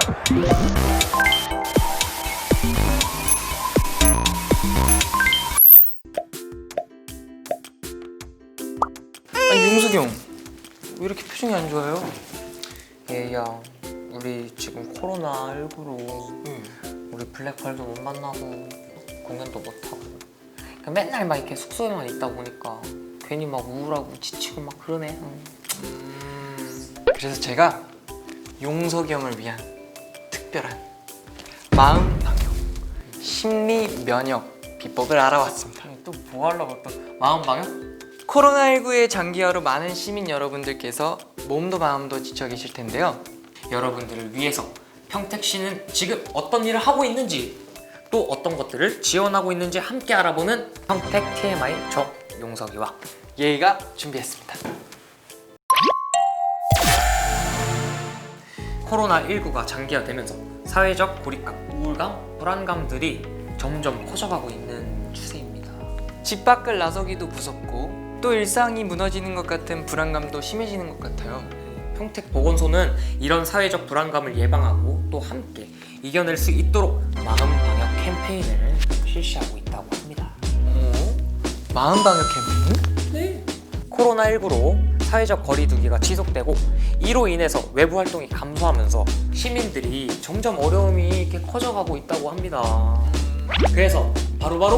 아니 용석이 형, 왜 이렇게 표정이 안 좋아요? 얘야, 우리 지금 코로나19로 우리 블랙펄도 못 만나고 공연도 못하고 그냥 맨날 막 이렇게 숙소에만 있다 보니까 괜히 막 우울하고 지치고 막 그러네. 그래서 제가 용석이 형을 위한 특별한 마음 방역, 심리 면역 비법을 알아왔습니다. 또 뭐 하려고 또 마음 방역? 코로나19의 장기화로 많은 시민 여러분들께서 몸도 마음도 지쳐 계실 텐데요. 여러분들을 위해서 평택시는 지금 어떤 일을 하고 있는지 또 어떤 것들을 지원하고 있는지 함께 알아보는 평택 TMI 정용석이와 예의가 준비했습니다. 코로나19가 장기화되면서 사회적 고립감, 우울감, 불안감들이 점점 커져가고 있는 추세입니다. 집 밖을 나서기도 무섭고 또 일상이 무너지는 것 같은 불안감도 심해지는 것 같아요. 평택보건소는 이런 사회적 불안감을 예방하고 또 함께 이겨낼 수 있도록 마음 방역 캠페인을 실시하고 있다고 합니다. 마음 방역 캠페인? 네. 코로나19로 사회적 거리두기가 지속되고 이로 인해서 외부 활동이 감소하면서 시민들이 점점 어려움이 이렇게 커져가고 있다고 합니다. 그래서 바로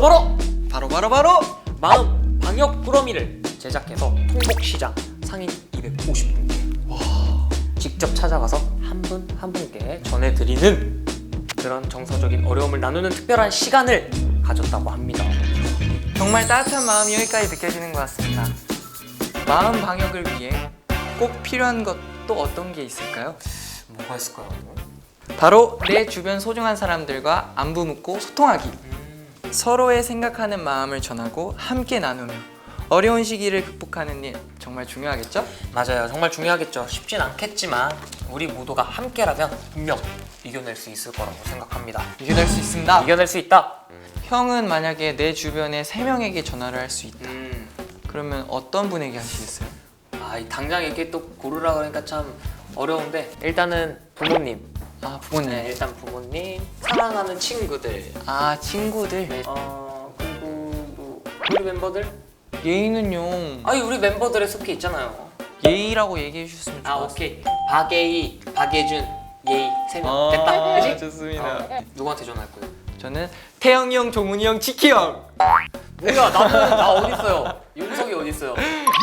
마음 방역 꾸러미를 제작해서 통곡시장 상인 250분께 직접 찾아가서 한 분 한 분께 전해드리는 그런 정서적인 어려움을 나누는 특별한 시간을 가졌다고 합니다. 정말 따뜻한 마음이 여기까지 느껴지는 것 같습니다. 마음 방역을 위해 꼭 필요한 것도 어떤 게 있을까요? 뭐가 있을까요? 바로 내 주변 소중한 사람들과 안부 묻고 소통하기. 서로의 생각하는 마음을 전하고 함께 나누며 어려운 시기를 극복하는 일 정말 중요하겠죠? 맞아요. 정말 중요하겠죠. 쉽진 않겠지만 우리 모두가 함께라면 분명 이겨낼 수 있을 거라고 생각합니다. 이겨낼 수 있습니다. 이겨낼 수 있다. 형은 만약에 내 주변에 3명에게 전화를 할 수 있다. 그러면 어떤 분에게 하시겠어요? 당장 이렇게 또 고르라 그러니까 참 어려운데 일단은 부모님. 부모님. 네, 일단 부모님, 사랑하는 친구들. 친구들. 네. 그리고 뭐 우리 멤버들. 예의는요. 우리 멤버들에 속해 있잖아요. 예의라고 얘기해 주셨으면 좋겠어요. 오케이. 박예희, 박예준, 예희 3명 됐다. 그치? 좋습니다. 누구한테 전화할 거예요? 저는 태영이 형, 종훈이 형, 지키 형. 뭐야? 나 어디 있어요? 용석이 어디 있어요?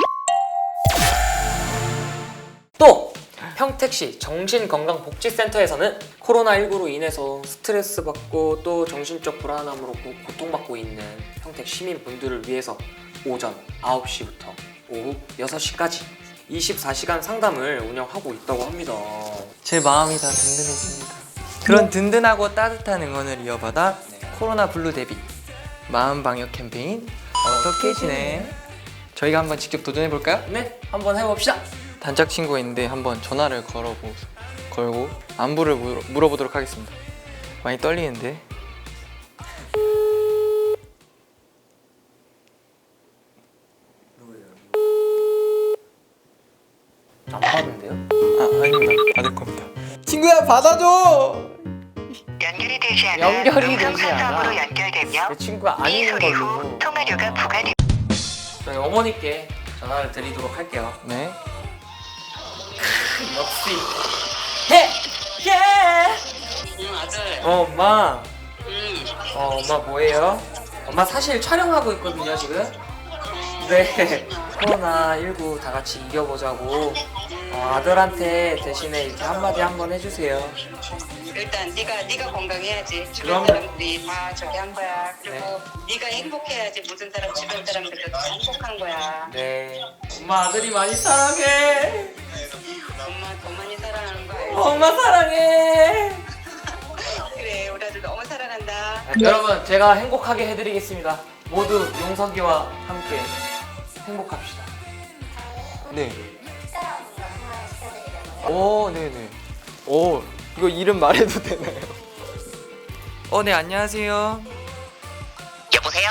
또 평택시 정신건강복지센터에서는 코로나19로 인해서 스트레스 받고 또 정신적 불안함으로 고통받고 있는 평택 시민분들을 위해서 오전 9시부터 오후 6시까지 24시간 상담을 운영하고 있다고 합니다. 제 마음이 다 든든해집니다. 그런 든든하고 따뜻한 응원을 이어받아 코로나 블루 대비 마음 방역 캠페인 어떻게 지내? 저희가 한번 직접 도전해 볼까요? 네, 한번 해봅시다. 단짝 친구가 있는데 한번 전화를 걸고 안부를 물어보도록 하겠습니다. 많이 떨리는데. 안 받은데요? 아닙니다. 받을 겁니다. 친구야, 받아줘. 연결이 되지 않아 연결이 되지 음성산성으로 않아. 연결되며 내 친구가 이 아닌 소리 후 걸로 통화료가 부과됩니다. 저희 어머니께 전화를 드리도록 할게요. 네. 역시 해! 예! 응 아들. 엄마. 엄마 뭐해요? 엄마 사실 촬영하고 있거든요 지금. 네. 코로나19 다 같이 이겨보자고 아들한테 대신에 이렇게 한마디 한번 해주세요. 일단 네가 건강해야지. 그럼. 주변 사람들이 다 저기 한 거야. 그리고 네. 네가 행복해야지 모든 사람 주변 사람들도 다 행복한 거야. 네. 엄마 아들이 많이 사랑해. 엄마 더 많이 사랑하는 거 알지? 엄마 사랑해. 그래 우리 아들 너무 사랑한다. 여러분 제가 행복하게 해드리겠습니다. 모두 용석이와 함께 행복합시다. 네. 네네. 이거 이름 말해도 되나요? 네, 안녕하세요. 여보세요?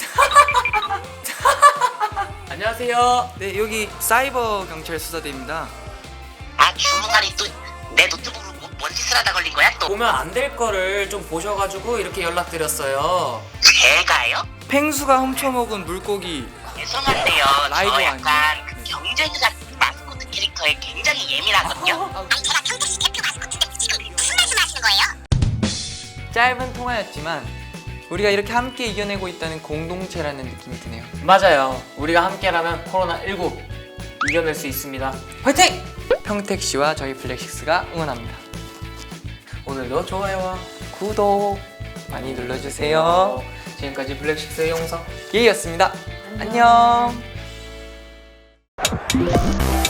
안녕하세요. 네, 여기 사이버 경찰 수사대입니다. 주무관이 또 내 노트북으로 뭔 뭔 짓을 하다 걸린 거야 또? 보면 안 될 거를 좀 보셔가지고 이렇게 연락드렸어요. 제가요? 펭수가 훔쳐먹은 물고기. 죄송한데요. 라이브 저 약간 그 경쟁사 마스코트 캐릭터에 굉장히 예민하거든요. 아니 제가 경쟁시 대표 마스코트인데 지금 무슨 말씀하시는 거예요? 짧은 통화였지만 우리가 이렇게 함께 이겨내고 있다는 공동체라는 느낌이 드네요. 맞아요. 우리가 함께라면 코로나19 이겨낼 수 있습니다. 화이팅! 평택 씨와 저희 블랙식스가 응원합니다. 오늘도 좋아요와 구독 많이 눌러주세요. 지금까지 블랙식스의 용서 예이였습니다. 안녕.